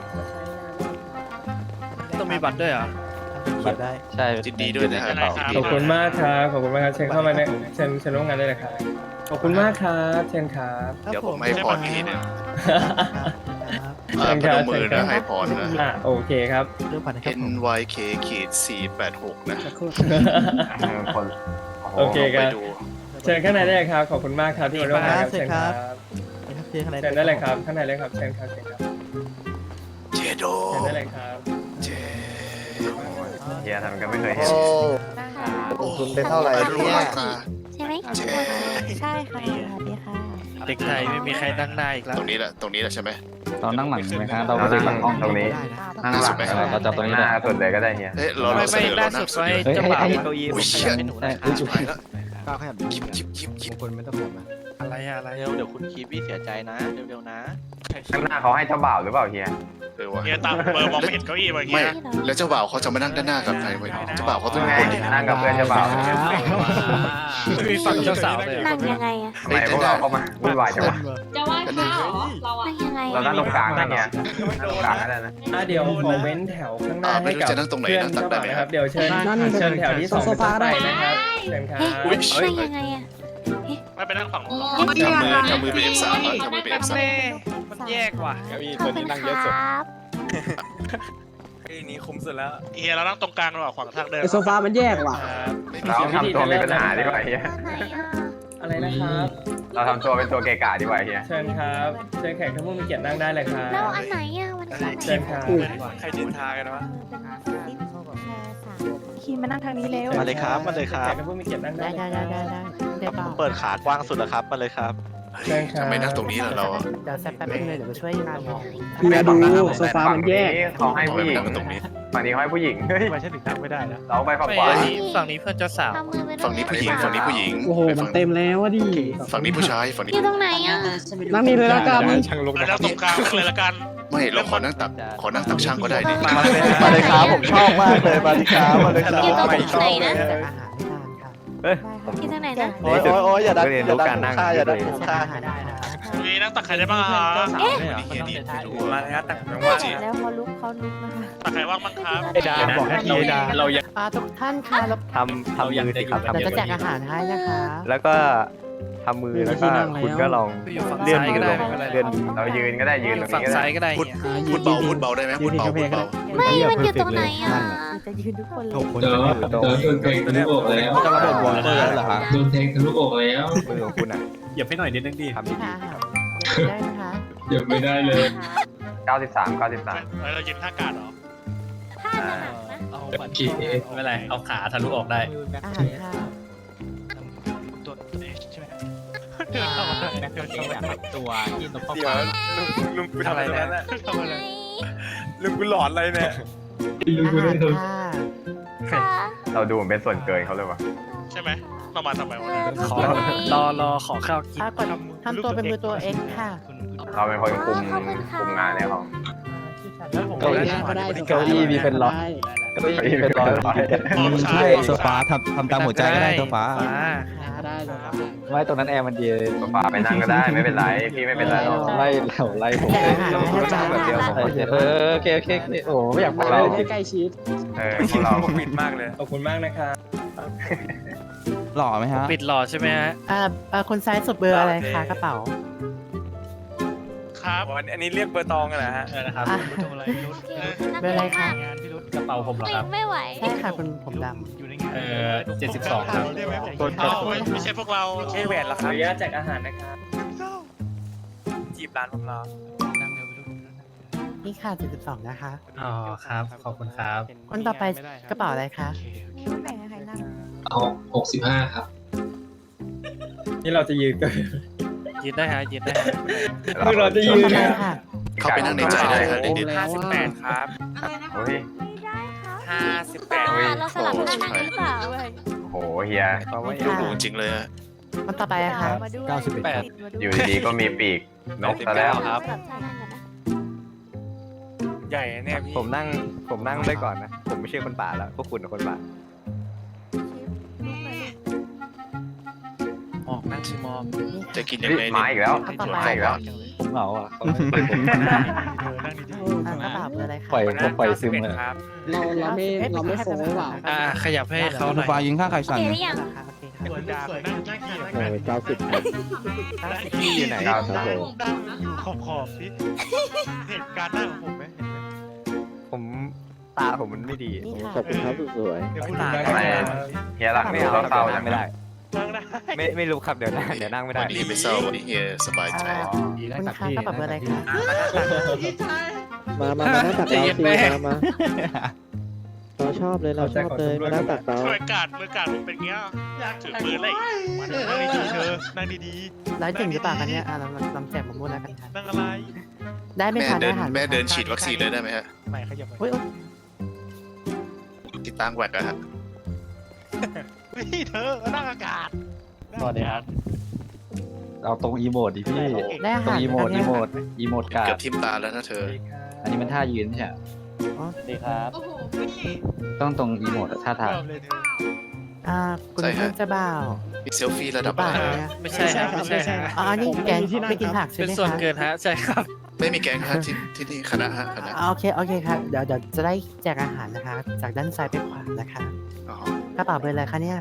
Speaker 4: ต้องมีบัตรด้วยเหรอ
Speaker 5: บัตรได้ใช่
Speaker 1: จินดีด้วยนะฮะ
Speaker 8: ขอบคุณมากครับขอบคุณมากครับเชิญเข้ามาในเชิญเชิญร่วมงานได้เลยครับขอบคุณมากครับเชิญครับ
Speaker 1: เดี๋ยวผมให้พรทีหนึง
Speaker 8: เชิ
Speaker 1: อ่า
Speaker 8: ญ
Speaker 1: พ
Speaker 8: ครั
Speaker 1: น
Speaker 8: บ
Speaker 1: มมือ
Speaker 8: เชิญครั
Speaker 1: นะ
Speaker 8: บ
Speaker 1: ให้พรนะ
Speaker 8: อ่ะโอเคครับ
Speaker 1: N Y K ขีดสี่แปดหกนะ
Speaker 7: คนโอ้โห
Speaker 8: โอเคครับ
Speaker 1: ไปดู
Speaker 8: เชิญข้างในได้เลยครับขอบคุณมากครับที่มาร่วมงานครับเชิญครับเชิญได้เลยครับข้างในเลยครับเชิญครับเชิญครับ
Speaker 1: เจโด
Speaker 8: เชิญได้เลยครับ
Speaker 1: เจ
Speaker 7: เฮียทำก็ไม่เคยเห็น
Speaker 3: โอ้
Speaker 10: นะคะ
Speaker 3: ลงทุนไปเท่าไหร่
Speaker 1: รู้
Speaker 3: เนี่ย
Speaker 1: ราคา
Speaker 10: ใช่ไหมใช่ค่ะสวัสดีค่ะ
Speaker 4: เด็กไทยไม่มีใครนั่งหน้าอีกแล้ว
Speaker 1: ตรงนี้แหละตรงนี้แหละใช่ไหม
Speaker 5: เรานั่งหลังไหมครับเรา
Speaker 7: เรา
Speaker 5: ไม่ได้
Speaker 7: นั่ง
Speaker 5: ห้อง
Speaker 7: ตรงนี้
Speaker 5: นั่งหลังไหมเราจับตรงนี้
Speaker 7: ห
Speaker 5: เลย
Speaker 7: น้าสุดเลยก็ได้เฮีย
Speaker 1: เฮ้ยเรา
Speaker 4: ไม่
Speaker 1: เราเส
Speaker 4: ไม่
Speaker 1: นอ
Speaker 4: ล่า
Speaker 1: เรา
Speaker 4: สุ
Speaker 1: นั่
Speaker 4: ด
Speaker 1: งสุด
Speaker 4: ไว้เจ้าบ่าว
Speaker 5: เก้าอี้
Speaker 1: อุ้ยเชี่ย
Speaker 5: ได้
Speaker 1: ชิบหายแล้ว
Speaker 5: ก้าวขยับ
Speaker 1: ยิบยิบยิบยิบ
Speaker 5: คนไม่ต้องแบบนะ
Speaker 4: อะไรอะอะไร
Speaker 5: เร็วเดี๋ยวคุณคีบี้เสียใจนะเร็วๆนะ
Speaker 7: ข้างหน้าเขาให้เจ้าบ่าวหรือเปล่าเฮีย
Speaker 1: เออวะ
Speaker 6: เฮียตามเบอร์มองไม่เห็นเก้าอี้เมื่อกี้
Speaker 1: ไม่
Speaker 6: นะ
Speaker 1: แล้วเจ้าบ่าวเขาจะมานั่งด้านหน้ากับใครไว้เจ้าบ่าวเขาต้อง
Speaker 7: ไง
Speaker 1: เป็นคนที่
Speaker 7: นั่งกับเพื่อนเจ้าบ่าว
Speaker 4: ไม่มีฝั่งเจ้าสาวเลย
Speaker 10: นั่งยังไงอะ
Speaker 7: ทำไมพวกเราเข้ามาวุ่นวายจังวะ
Speaker 2: จะไหว้พระเหรอเราอะ
Speaker 10: นั่งยังไง
Speaker 7: เรานั่งตรงกลางนะเฮียนั่งตรงกลางก็ได้นะ
Speaker 8: อ่ะเดี๋ยวขอเว้นแถวข้างหน้า
Speaker 1: อ่าไม่
Speaker 8: ให้
Speaker 1: รู้
Speaker 8: กับ
Speaker 1: จะนั่งตรงไหน
Speaker 8: เพื่อน
Speaker 1: นะตัด
Speaker 8: เจ้า
Speaker 1: ได้
Speaker 8: บ่าว
Speaker 1: ไหม
Speaker 8: นะ
Speaker 1: ค
Speaker 8: ค
Speaker 1: รั
Speaker 8: รับ บเดี๋ยวเชิญเชิญแถวที่สอง
Speaker 3: โซฟาได้
Speaker 8: ไปนะครับเชิญครับ
Speaker 1: อุ้ย
Speaker 10: นั่งยังไงอะ
Speaker 6: ไม่ไปนั่งฝั่ง
Speaker 2: โอ้
Speaker 6: นู้น
Speaker 2: ไม่อยาก
Speaker 1: ทำมือเป็น เอฟ สาม อ่ะทำมือเป็น เอฟ สาม
Speaker 4: แม่มันแยกว่ะ
Speaker 10: ขอบคุณครับ
Speaker 6: เฮียเรานั่งตรงกลางระหว่างขวางทางเดิน
Speaker 3: ไอโซฟามันแยกว่ะ
Speaker 1: ไม่มี
Speaker 7: เราทำตัวมีปัญหาดีกว่าเฮีย
Speaker 10: ไหนอะ
Speaker 8: อะไรนะครับ
Speaker 7: เราทำตัวเป็นตัวเกะกะดีกว่าเฮีย
Speaker 8: เชิญครับเชิญแขกทั้งผู้มีเกียรตินั่งได้เลยครับ
Speaker 10: แล้วอันไหนอะมันสาม
Speaker 8: เชิญครับ
Speaker 6: ใครดินทากันวะ
Speaker 10: คีมานั่งทางนี้เร็ว
Speaker 5: มาเลยครับมาเลยครับ
Speaker 8: แขกทั้งผู้มีเกียรตินั่งได้เลยครับ
Speaker 10: เดี๋ยว
Speaker 5: เปิดขากว้างสุดแล้วครับมาเลยครับ
Speaker 8: เชิญครับ
Speaker 1: ทำไมนั่งตรงนี้ล่ะเราอะ
Speaker 10: เดี๋ยวแป๊บนึงเลยเดี๋ยวไปช่วยงานบอก
Speaker 3: เฮียดูโซฟามันแยก
Speaker 7: เขาให้
Speaker 1: ทำไม
Speaker 7: ผู้ห
Speaker 1: ไม่
Speaker 7: ญิง
Speaker 1: นั่งกันตรงนี้
Speaker 7: ฝั่งนี้เขาให้ผู้หญิงเฮ้ย
Speaker 5: ไม่ใช่ถึงนั่งไม่ได้นะ
Speaker 7: เราไปฝั่ง
Speaker 4: ไม่
Speaker 7: ขวา
Speaker 4: อันนี้ฝั่งนี้เพื่อนเจ้าสาว
Speaker 10: ทำมือไป
Speaker 1: ฝั่งนี้ผู้หญิงฝั่งนี้ผู้หญิง
Speaker 3: โอ้โหมันเต็มแล้วอะดิ
Speaker 1: ฝั่งนี้ผู้ชายฝั่งนี้
Speaker 10: อยู่ตรงไหนอะ
Speaker 3: นั่งนี่เลยแล้วกัน
Speaker 6: ไปนั่งตรงกลางเลยละกัน
Speaker 1: ไม่เราขอนั่งตักขอนั่งตักช่างก็ได้ดิ
Speaker 5: มาเลยครับผมชอบมากเลยมาเลยครับมาเลยครับ
Speaker 10: อยู่ตรงไหนนะ
Speaker 5: เฮ้ย
Speaker 10: อยู่ตรงไหนนะ
Speaker 5: โอ้ยโอ้ยโอ้ยอย่าดันอย่าดันค่าอย่าดันค่า
Speaker 6: นี่นั่งตักใครได้บ้างครับ
Speaker 1: เฮียนี่ไม่รู้
Speaker 8: มา
Speaker 1: อะ
Speaker 8: เลยครับตักน้องว่า
Speaker 10: แล้วเขาลุกเขาลุกนะคะ
Speaker 6: ตักใครว่างบ้างครับ
Speaker 5: ไอ้ดาบอกให้ทีไอ้ดาเราอยาก
Speaker 10: อ่าทุกท่านค่ะเรา
Speaker 5: ทำทำมือสิครับทำ
Speaker 10: เรา
Speaker 5: มื
Speaker 10: จะ
Speaker 5: อ
Speaker 10: แจกอาหารให้นะคะ
Speaker 5: แล้วก็ท
Speaker 9: ำมือแล้วก็คุณก็ลอง
Speaker 4: อยู่ฝั่ง
Speaker 9: เลื่อน
Speaker 4: ซ้าย
Speaker 9: มื
Speaker 4: ก็
Speaker 9: อ
Speaker 4: ได้
Speaker 9: ลง
Speaker 4: ไม่เป็นไร
Speaker 9: เลื่อน
Speaker 7: เรายืนก็ได้ยืน
Speaker 4: อ
Speaker 7: ตร
Speaker 4: ยู่
Speaker 7: ง
Speaker 4: ฝั่ง
Speaker 7: นี้ก็ได้
Speaker 4: ซ้ายก็ได้
Speaker 1: พูด
Speaker 4: เนี่ย
Speaker 1: พูดเบาพูดเบาได้ไหมพูดเบาพูดเบา
Speaker 10: ไม่มันอยู่ตรงไหนอ่ะจะยืนทุกคนเลย
Speaker 9: หกคนจะอยู่ตรง
Speaker 5: โดนแทงทะลุอกแล้ว
Speaker 9: จะระบบวอลเตอร์แล้วเหรอฮะ
Speaker 5: โดนแทงทะลุอกแล้ว
Speaker 9: มือของคุณอ่ะ
Speaker 5: เหยียบให้หน่อยนิดนึงดิ
Speaker 9: ทำดี
Speaker 10: ค่ะได้นะคะ
Speaker 5: เหยียบไม่ได้เลย
Speaker 7: เก้าสิบสามเก้าสิบสาม
Speaker 6: เฮ้ยเรายืนท่ากาดเหรอ
Speaker 10: ถ้าจะหนักนะ
Speaker 4: เอา
Speaker 5: โอเคไม่เป็นไรเอาขาทะลุออกได้
Speaker 10: อาหารค่ะ
Speaker 6: ตัวตัวเองใช่ไหม
Speaker 4: เดินเข้ามา
Speaker 5: ตัวที่ตรงข้อ
Speaker 9: เดี๋ยวลุงลุงกูทำอะไรนะ
Speaker 6: ทำอะไร
Speaker 9: ลุงกูหลอนอะไรเนี่ย
Speaker 5: ลุง
Speaker 10: อา
Speaker 5: ไม่
Speaker 10: หา
Speaker 5: ได้
Speaker 10: ร
Speaker 5: ท
Speaker 10: ค่ะ
Speaker 7: เราดูเหมือนเป็นส่วนเกินเขาเลยวะ
Speaker 6: ใช่ไหมเรามาทำไมวะเนี่ย
Speaker 4: ขอรอรอขอข้าวกิน
Speaker 10: อ่ะกดทำตัวเป็นมือตัวเอ็กค่ะ
Speaker 7: เราเป็นคนคุมคุมงานในห้อง
Speaker 4: แล้วผม
Speaker 3: เก้าอี้
Speaker 4: ได้
Speaker 3: ก็ได้
Speaker 9: เก้าอี้มีเป็นร้อย
Speaker 3: ได้
Speaker 9: เก้าอี้เป็นร้อยร้อย
Speaker 5: ำใช่โซฟาทำทำตามหัวใจก็ได้โซฟา
Speaker 3: ได้เลยครับ
Speaker 9: ไม่ตรงนั้นแอร์มันดี
Speaker 7: โซฟาไปนั่งก็ได้ไม่เป็นไรพี่ไม่เป็นไรหรอก
Speaker 9: ไล่เราไล่ผม
Speaker 10: แต่อาหาร
Speaker 9: เรา
Speaker 10: ไม่
Speaker 9: ก็
Speaker 10: ได้
Speaker 9: นั่งแบบเดียวผมเออโอเคโอเคโอเคโอ้ไม่อยาก
Speaker 3: มา
Speaker 9: พูด
Speaker 3: เล
Speaker 9: เรา
Speaker 3: ยให้ใกล้ชิด
Speaker 7: เออพวกเรา
Speaker 9: ปิดมากเลย
Speaker 8: ขอบคุณมากนะครับ
Speaker 5: หล่อไหมฮะ
Speaker 4: ปิดหล่อใช่ไหมฮะ
Speaker 10: อ่าอ่าคนซ้ายสุดเบอร์อะไรคะกระเป๋า
Speaker 6: ครับ
Speaker 9: อันนี้เรียกเบอร์ตองกันเหรอฮะ
Speaker 5: นะครับ
Speaker 10: อ่ะ
Speaker 6: ทำอะไรพี่รุธ
Speaker 10: เบอร์อะไรคะ
Speaker 6: งานพี่รุธ
Speaker 5: กระเป๋าผมเหรอครับ
Speaker 10: ไม่ไหวใช่ค่ะคุณผมด
Speaker 6: อยู่ในงาน
Speaker 5: เออเจ็ดสิบสองครับ
Speaker 6: ได้ไหมผมเอาไม่ไม่ใช่พวกเรา
Speaker 9: ใช่แหวนเหรอ
Speaker 8: ข
Speaker 9: ค
Speaker 8: อ
Speaker 9: รับ
Speaker 8: อนุญาตแจกอาหารนะครับ
Speaker 9: จีบร้านผมรอ
Speaker 6: นั่งเร็วพี่รุธ
Speaker 10: ำนี่ค่ะเจ็ดสิบสองนะคะ
Speaker 5: อ๋อครับขอบคุณครับ
Speaker 10: คนต่อไปกระเป๋าอะไรคะ
Speaker 5: เอาหกสิบห้าครับ
Speaker 8: นี่เราจะยืนกัน
Speaker 4: ยืนได้ฮะยืนได้ฮะ
Speaker 8: คือเราจะยื
Speaker 10: คน
Speaker 8: น
Speaker 10: ต่อไปค่ะ
Speaker 1: เข้าไปนั่งในใจได้ครับเด็ก
Speaker 3: แล้วว่า
Speaker 9: ครับ
Speaker 7: โอ้ย
Speaker 9: ห้าสิบแปด
Speaker 2: เราสลับกันนั่งหรือเปล่า
Speaker 7: โหเฮีย
Speaker 9: เพราะว่า
Speaker 1: ๆดูหรูจริงเลยอะ
Speaker 10: คนต่อไปอะค่ะ
Speaker 5: เก้าสิบเอ็ดครับ
Speaker 7: อยู่ดีๆก็มีปีกนกซะแล้ว
Speaker 4: ครับ
Speaker 9: ใหญ่เนี่ยผมนั่งผมนั่งได้ก่อนนะ ผมไม่ใช่คนป่าแล้วพวกคุณเป็นคนป่า
Speaker 4: หมอกนั่งชิมอม
Speaker 1: จะกินยัง
Speaker 7: เฮ้ย
Speaker 1: ไง
Speaker 7: มา
Speaker 1: เนี่ย
Speaker 7: อีกแล้ว
Speaker 10: เอาต่อไป
Speaker 7: มาอีกแล้ว
Speaker 5: ผมเหงาอ่ะ
Speaker 6: เออนั่งดี
Speaker 10: อ่ากระเป๋าเบอร์อะไรคะ
Speaker 5: ปล่อยผมปล่อยซึมเลย
Speaker 9: ครับ
Speaker 3: เราเราไม่เราไม่โฟงหรือเปล่า
Speaker 4: อ่าขยับให้เขาห
Speaker 5: โซ
Speaker 4: น่อย
Speaker 5: ฟายิงข้างใคร
Speaker 10: โอ
Speaker 5: สั่น
Speaker 10: เคห
Speaker 5: นะ
Speaker 10: รือยังคะโอเคค่ะ
Speaker 6: ๆสวยดาบนั่งนั่งขี่
Speaker 3: เออเก้าสิบครับ
Speaker 9: พี่อยู่ไหน
Speaker 7: ค
Speaker 9: ค
Speaker 7: รั
Speaker 9: รับ บ
Speaker 6: อยู่ขอบขอบสิเห็นการนั่งของผมไหมเห็นไหม
Speaker 9: ผมตาผมมันไม่ดี
Speaker 10: นี่ค่ะ
Speaker 3: ขอบคุณครับสวย
Speaker 6: เดี๋ยวพูด
Speaker 8: ตา
Speaker 6: ถึง
Speaker 7: ทำไมเฮียรักนี่เราเศร้าจัง
Speaker 9: ไม่ได้
Speaker 6: นั่งได้
Speaker 9: ไม่ไม่รู้ครับเดี๋ยวนั่งเดี๋ยวนั่งไม่ได้
Speaker 1: วันนี้ไม่เศร้าวันนี้เฮียสบายใจ
Speaker 10: คุณคะกระเป๋าเบอร์อะไรคะ
Speaker 3: มามามานั่งตักเราสิมามาเราชอบเลยเราชอบเลยมานั่งตักเรา
Speaker 6: ช่วยกาดมือกาดผมเป็นเงี้ยถือปืนเลยมานั่งดีๆเธอนั่งดี
Speaker 10: ร้อยจริงหรือเปล่าคะเนี่ยอ่าเราลองแจกหมดมูลแล้วกันค่ะ
Speaker 6: ๆนั่งอะไร
Speaker 10: ได้ไหม
Speaker 1: แม่
Speaker 10: คะ
Speaker 1: เดิน
Speaker 10: อาหารไห
Speaker 1: แม่เดิน
Speaker 10: คะ
Speaker 1: ฉีดวัคซีนเลยได้ไหมฮะ
Speaker 6: ไม่ขยับไป
Speaker 10: อุ้ยอุ๊ย
Speaker 1: ติดตั้งแหวกอะฮะ
Speaker 6: เฮ้ยเธอนั่งอากาศ
Speaker 5: สวัสดีครับเอาตรงอีโมดดิพี่
Speaker 10: ได้อา
Speaker 5: ตร
Speaker 10: หาง ร
Speaker 5: อีโมด
Speaker 10: ไห
Speaker 5: อี
Speaker 10: คะ
Speaker 5: โมดอีโมดกา
Speaker 1: เกื
Speaker 5: ด
Speaker 1: อบทิ่มตาแล้วนะเธอ
Speaker 5: อันนี้มันท่ายืนใช่ไหม
Speaker 10: อ๋อ
Speaker 5: ดีครับ
Speaker 2: โอ้โห
Speaker 5: ต้องตรงอีโมดท่าทาง
Speaker 6: ชอบเลยเธอ
Speaker 10: อ่าคุณ
Speaker 1: ใช่ฮะ
Speaker 10: เพื่อนเจะบ่าว
Speaker 1: มีเซลฟี่ระดับ
Speaker 10: เป
Speaker 1: อะ
Speaker 10: ล่า
Speaker 1: ไร
Speaker 10: เนี่ย
Speaker 4: ไม่ใช่ฮะไม่ใช่ฮะ
Speaker 10: อ๋อนี่แกงไม่กินผักใช่
Speaker 4: เป็น
Speaker 10: ไหม
Speaker 4: ส่วน
Speaker 10: คะ
Speaker 4: เกินฮะใช่ครับ
Speaker 1: ไม่มีแก๊งฮะที่ที่นี่คณะฮะคณะ
Speaker 10: อ่าโอเคโอเคครับเดี๋ยวเดี๋ยวจะได้แจกอาหารนะคะ จากด้านซ้ายไปขวานะคะ
Speaker 1: อ๋อก
Speaker 10: ระเป๋าเบอร์อะไรคะเนี่ย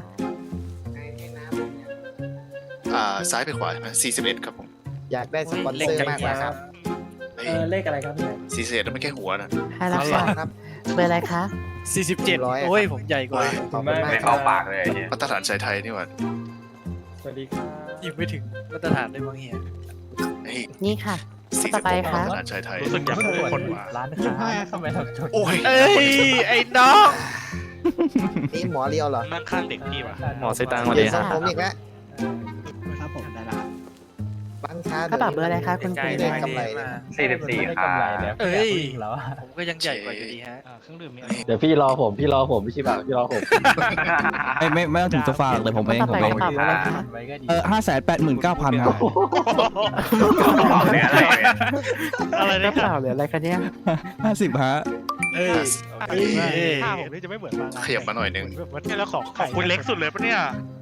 Speaker 1: อ่าซ้ายไปขวาใช่ไหมสี่สิบเอ็ดครับผม
Speaker 9: อยากได้สปอนเซอร์มากกว่าครับ
Speaker 1: เฮ้ย
Speaker 8: เออเลขอะไรครับพี่
Speaker 1: สี่สิบเอ็ดมันแค่หัวนะ
Speaker 10: ให้แล้วค่ะเบอร์อะไรคะ
Speaker 4: สี่สิบเจ็ดโอ้ยผมใหญ่กว่า
Speaker 8: ขอบคุณมาก
Speaker 7: ไม่เข้าปากเลยไอ้เฮีย
Speaker 1: มาตรฐานชายไทยนี่หว่า
Speaker 8: สวัสดีครับ
Speaker 4: ยังไม่ถึงมาตรฐานเลยบางเฮีย
Speaker 1: เฮ้ย
Speaker 10: นี่ค่ะ
Speaker 1: สี่
Speaker 10: ต่
Speaker 1: สิ
Speaker 10: อบ ไป
Speaker 1: หก
Speaker 10: ค่ะ
Speaker 1: มาตรฐานชายไทย
Speaker 6: รู้สึกอยากเป็นคนว่า
Speaker 5: ร้านค้าทำไมทำจด
Speaker 1: โอ้ย
Speaker 4: เอ้ยไอ้น้อง
Speaker 9: นี่หมอเลียวเหรอ
Speaker 6: นั่งข้างเด็กพี่ว่ะ
Speaker 5: หมอใส่ตังค์มาเลย
Speaker 10: ครั
Speaker 5: ฮะ
Speaker 10: บ
Speaker 9: ผมอีกแล้ว
Speaker 3: ครับผมได้ละ
Speaker 9: บ้านค้าก
Speaker 10: ระเป๋าเบอร์อะไรคะคุณ
Speaker 9: ใจ
Speaker 10: คุณ
Speaker 9: ได้กำไรนะ
Speaker 7: สี่สิบสี่ค่ะ
Speaker 4: เอ้ยผมก็ยังใหญ่กว่าอยู่ดีฮะ
Speaker 6: เครื่องดื่มมี
Speaker 5: เดี๋ยวพี่รอผมพี่รอผมพี่ชิบะพี่รอผมไม่ไม่ไม่ต้องถึงโซฟาหรอกเลยผม
Speaker 10: คน
Speaker 5: เอง
Speaker 10: ต่อ
Speaker 5: ผม
Speaker 10: ไป
Speaker 5: เอก ง
Speaker 10: ระเป๋าเบอร์อะไรคะ
Speaker 5: เออห้าแสนแปดหมื่นเก้าพันครับ
Speaker 7: เหลืออะไรเนี่ย
Speaker 6: อะไร
Speaker 10: ก
Speaker 6: นะ
Speaker 10: ระเป๋าเบอร์อะไรคะเนี่ย
Speaker 5: ห้าสิบฮะ
Speaker 6: เอ้ยข้าผมนี่จะไม่เหมือนมา
Speaker 1: ขยับมาหน่อยนึง
Speaker 6: แบบว่าเนี่ยแล้วของของคุณเล็กสุดเลยปะเนี่ย